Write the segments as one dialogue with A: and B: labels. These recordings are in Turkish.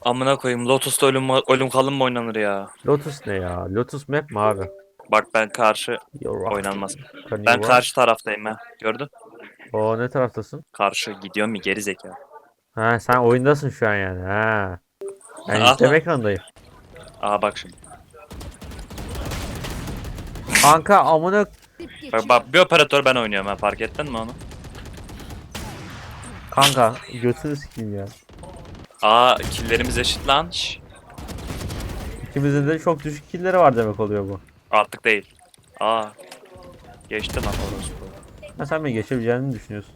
A: Amına koyayım Lotus'ta ölüm kalım mı oynanır ya?
B: Lotus ne ya? Lotus map mi abi?
A: Bak ben karşı
B: You're
A: oynanmaz.
B: right. Can you
A: Ben
B: run?
A: karşı taraftayım ha. Gördün?
B: O ne taraftasın?
A: Karşı gidiyor mu geri zekalı.
B: Ha sen oyundasın şu an yani. Ha. Ben
A: Aha.
B: izleme ekranındayım.
A: Aha bak şimdi.
B: Kanka amına
A: Bak bir operatör ben oynuyorum ha, fark ettin mi onu?
B: kanka götünü sikeyim ya.
A: Aa killlerimiz eşit lan. Şş,
B: İkimizin de çok düşük killleri var demek oluyor bu.
A: artık değil. Aa geçti lan orospu.
B: Ha sen mi geçebileceğini düşünüyorsun?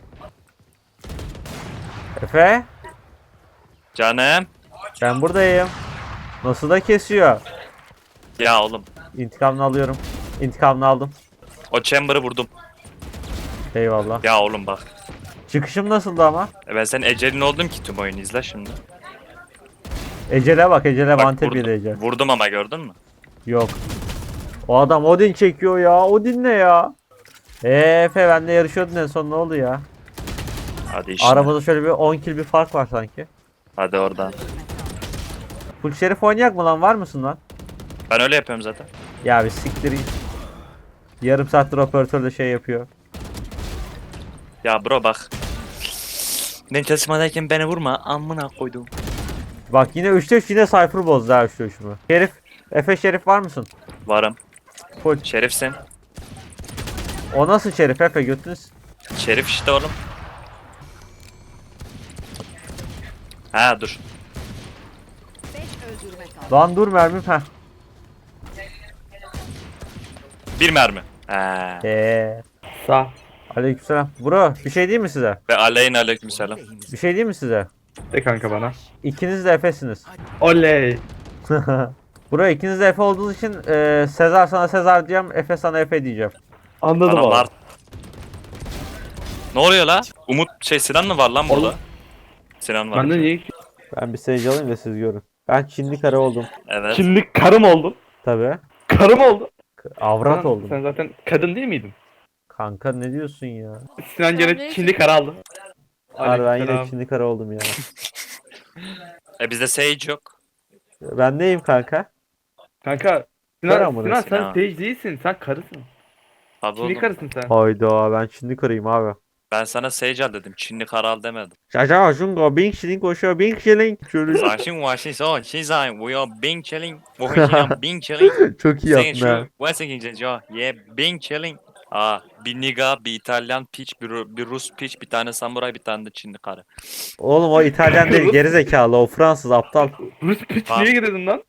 B: Efe,
A: Canım.
B: ben buradayım. Nasıl da kesiyor.
A: Ya oğlum.
B: İntikamını alıyorum. İntikamını aldım.
A: O chamber'ı vurdum.
B: Eyvallah.
A: Ya oğlum bak.
B: Çıkışım nasıldı ama?
A: Ben senin ecelin oldum ki tüm oyunu izle şimdi.
B: Ecele bak, Ecele
A: Bak
B: Vantep
A: vurdum.
B: Ecel.
A: Vurdum ama gördün mü?
B: Yok. O adam Odin çekiyor ya. Odin ne ya? Efe benle yarışıyordun en son ne oldu ya?
A: Hadi işine.
B: Aramızda şöyle bir 10 kill bir fark var sanki.
A: Hadi oradan.
B: Full Şerif oynayak mı lan, var mısın lan?
A: Ben öyle yapıyorum zaten.
B: Ya bir siktir git. Yarım saattir operatör de şey yapıyor.
A: Ya bro bak. Ben çalışmadayken beni vurma. Amına koydum.
B: Bak yine 3'te 3 yine Cypher bozdu ha 3'te 3'ümü. Şerif. Efe Şerif var mısın?
A: Varım.
B: Full.
A: Şerifsin.
B: O nasıl Şerif Efe, götünüz?
A: Şerif işte oğlum. Ha dur.
B: Lan dur mermim ha.
A: Bir mermi. Ha.
B: Sağ. Aleykümselam. Bro bir şey diyeyim mi size?
A: Ve aleykümselam.
B: Bir şey diyeyim mi size?
C: De kanka bana.
B: İkiniz de Efe'siniz.
C: Oley.
B: Bro ikiniz de Efe olduğunuz için Sezar sana Sezar diyeceğim, Efe sana Efe diyeceğim.
C: Anladım
A: Bana
C: abi.
A: var. Ne oluyor la? Umut Sinan mı var lan burada?
C: Oğlum.
A: Sinan var.
C: Ben de niye
B: Ben bir seyirci alayım da siz görün. Ben Çinli karı oldum.
A: Evet.
C: Çinli karım oldun?
B: Tabi.
C: Karım oldun.
B: Avrat
C: Sen,
B: oldum.
C: sen zaten kadın değil miydin?
B: Kanka ne diyorsun ya?
C: Sinan gene Çinli karı aldı.
B: Abi ben yine
C: Aleykümselam.
B: Çinli karı oldum ya.
A: Bizde Sage yok.
B: Ben neyim kanka?
C: Kanka
B: Kar
C: Sinan,
B: amına
C: Sinan
A: Sinan.
C: sen Sage değilsin. Sen karısın.
A: Abi
C: Çinli
A: oğlum.
C: karısın sen.
B: Hayda ben Çinli karıyım abi.
A: Ben sana Sage al dedim. Çinli karal demedim.
B: Şaşa şungo Bing Shilling koşuyor Bing Shilling. Şöyle
A: Sakin washi so, shizai, we are Bing chilling. We are Bing chilling.
B: çok iyi
A: Sayın
B: yaptın ha.
A: şu, what's İngilizce ya? Yeah, Bing chilling. Aa, bir niga, bir İtalyan piç, bir Rus piç, bir tane samuray, bir tane de Çinli karı.
B: Oğlum o İtalyan değil gerizekalı, o Fransız aptal.
C: Rus piç
A: Tamam.
C: niye girdin lan?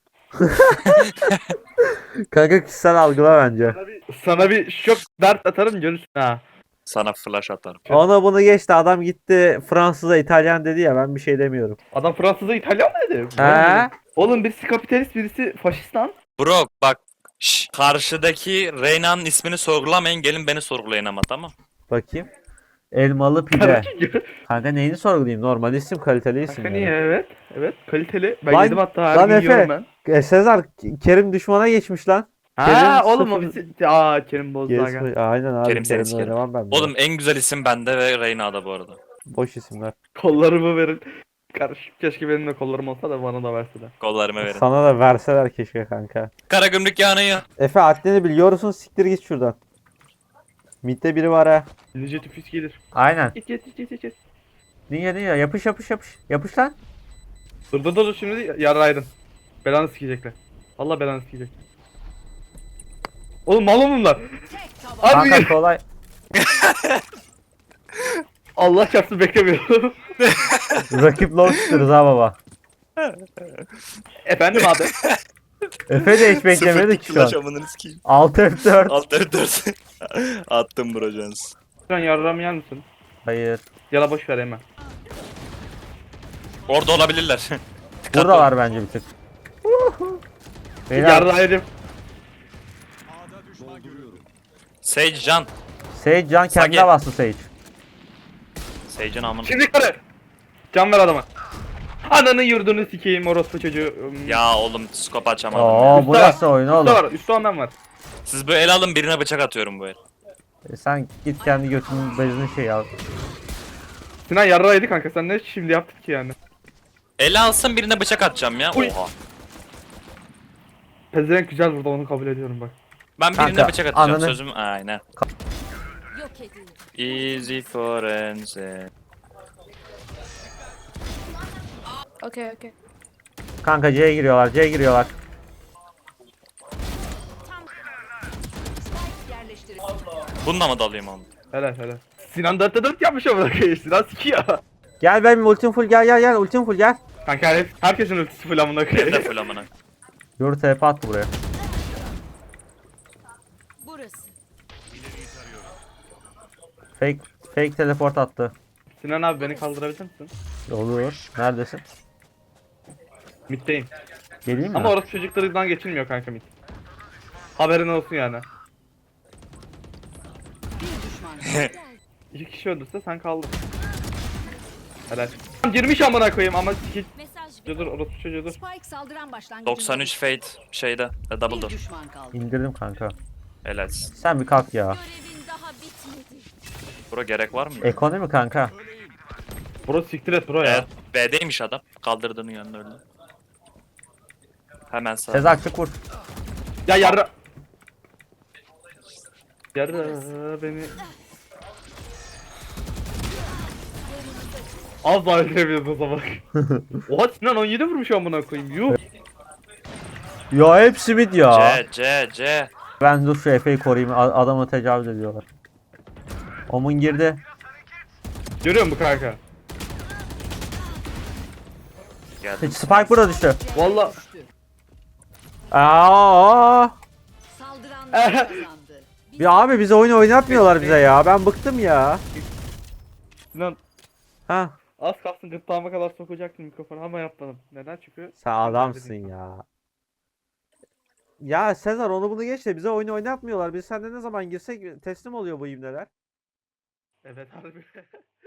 B: Kanka kişisel algıla bence.
C: Sana bir şok dert atarım görürsün ha.
A: Sana flash atarım.
B: Ona bunu geçti, adam gitti Fransız'a İtalyan dedi ya, ben bir şey demiyorum.
C: Adam Fransız'a İtalyan mı dedi?
B: He?
C: Oğlum birisi kapitalist birisi faşist lan.
A: Bro bak, karşıdaki Reyna'nın ismini sorgulamayın, gelin beni sorgulayın ama tamam.
B: Bakayım. Elmalı pide. Kanka neyini sorgulayayım? Normal isim, kaliteli isim
C: Kanka
B: yani.
C: niye evet. Evet kaliteli. Ben
B: Lan-
C: yedim hatta her
B: lan
C: gün
B: Efe.
C: yiyorum ben.
B: Sezar, Kerim düşmana geçmiş lan.
C: Ha
B: Kerim
C: oğlum o
B: sıfır-
C: bizi... Aa Kerim bozdu aga.
B: Aynen abi,
A: Kerim seni
B: Kerim'le
A: sikerim.
B: oynamam ben.
A: Oğlum en güzel isim bende ve Reyna'da bu arada.
B: Boş isimler.
C: Kollarımı verin. Kardeşim keşke benim de kollarım olsa da bana da verse de.
A: Kollarımı verin.
B: Sana da verseler keşke kanka.
A: Karagümrük yanıyor.
B: Efe haddini biliyorsun, siktir git şuradan. Mid'de biri var ha.
C: Ninja tüfüs gelir.
B: Aynen.
C: Git.
B: Niye yapış yapış yapış. Yapış lan.
C: Dur şimdi yaraydın. Belanı sikecekler. Allah belanı sikecek. Oğlum mal bunlar. Abi
B: Kanka kolay.
C: Allah çarpsın beklemiyorum.
B: Rakip low tutuyoruz ha baba.
C: Efendim abi.
B: Efe de hiç beklemedik şu an.
A: Flash amınını sikeyim.
B: 6 F4.
A: Alt F4. Attım bro Jones.
C: Şu an yarram yer misin?
B: Hayır.
C: Yala boş ver hemen.
A: Orada olabilirler.
B: Burada var bence bir tık. Beyler,
C: Yarraydım.
A: Sage Can.
B: Sage can kendine
A: Sage.
B: bastı Sage.
A: Sage'in amını.
C: Şimdi karı. Can ver adama. Ananı yurdunu sikeyim orospu çocuğu.
A: Ya oğlum scope açamadım.
B: Oo
A: ya.
B: bu nasıl oyun
C: Üstte
B: oğlum?
C: var. Üstte ondan var.
A: Siz böyle el alın, birine bıçak atıyorum bu el.
B: Sen git kendi götünün bezini şey al.
C: Sinan yarraydı kanka sen ne şimdi yaptık ki yani.
A: Ele alsın birine bıçak atacağım ya.
C: Uy.
A: Oha.
C: Pezevenk güzel burada, onu kabul ediyorum bak.
A: Ben birine
B: Kanka,
A: bıçak atacağım
B: ananı-
A: sözüm. Aynen.
D: Yok edildi.
A: Easy forense.
E: Okay, okay.
B: Kanka C'ye giriyorlar. C'ye giriyorlar.
D: Spike yerleştirildi.
A: Bununla mı dalayım onu?
C: Helal helal. Sinan 4'te 4 yapmış ama bırakıyor. Sinan sikiyor.
B: Gel benim ultim full, gel ultim full gel.
C: Kanka herkesin ultisi full amına
A: Ne
C: koyayım.
A: full amına.
B: Yoru TP attı buraya.
D: Burası.
B: Fake teleport attı.
C: Sinan abi beni kaldırabilir misin?
B: Olur. Neredesin?
C: Mid'deyim.
B: Geleyim mi?
C: Ama orası çocuklarından geçilmiyor kanka mid. Haberin olsun yani.
D: Bir düşman kaldı.
C: 2 kişi öldürse sen kaldın. Helal. Girmiş amına koyayım ama sikik.
D: Mesaj ver.
C: Çocuğudur orası çocuğudur.
D: Spike saldıran başlangıcında.
A: 93 Fate şeyde. Double
D: Bir
A: door.
D: düşman kaldı.
B: İndirdim kanka.
A: Helalsin.
B: Sen bir kalk ya.
D: Görevin daha bitmedi.
A: Bro gerek var mı?
B: Ekonomi kanka.
C: Bro siktir et bro ya.
A: Evet. B'deymiş adam. Kaldırdığının yanında öldü. Hemen sağ.
B: Sezar çık vur.
C: Ya yarra. Yarra beni. Az daha öldürebiliyoruz o zaman. Oha Sinan 17 vurmuş amına koyayım. Yuh.
B: Ya hepsi mid ya.
A: C.
B: Ben dur şu Efe'yi koruyayım. Adamı tecavüz ediyorlar. Omun girdi.
C: Görüyor musun kanka?
A: Geldim.
B: Spike burada düştü.
C: Valla.
D: Düştü.
B: Aa!
D: Saldıranlar kazandı.
B: Ya abi bize oyun oynatmıyorlar bize ya. Ben bıktım ya.
C: Sinan
B: Ha,
C: az kalsın gırtlağıma kadar sokacaktım mikrofonu ama yapmadım. Neden? Çünkü
B: sen adamsın ya. Ya Sezar onu bunu geç de bize oyun oynatmıyorlar. Biz sende ne zaman girsek teslim oluyor bu ibneler.
C: evet harbi.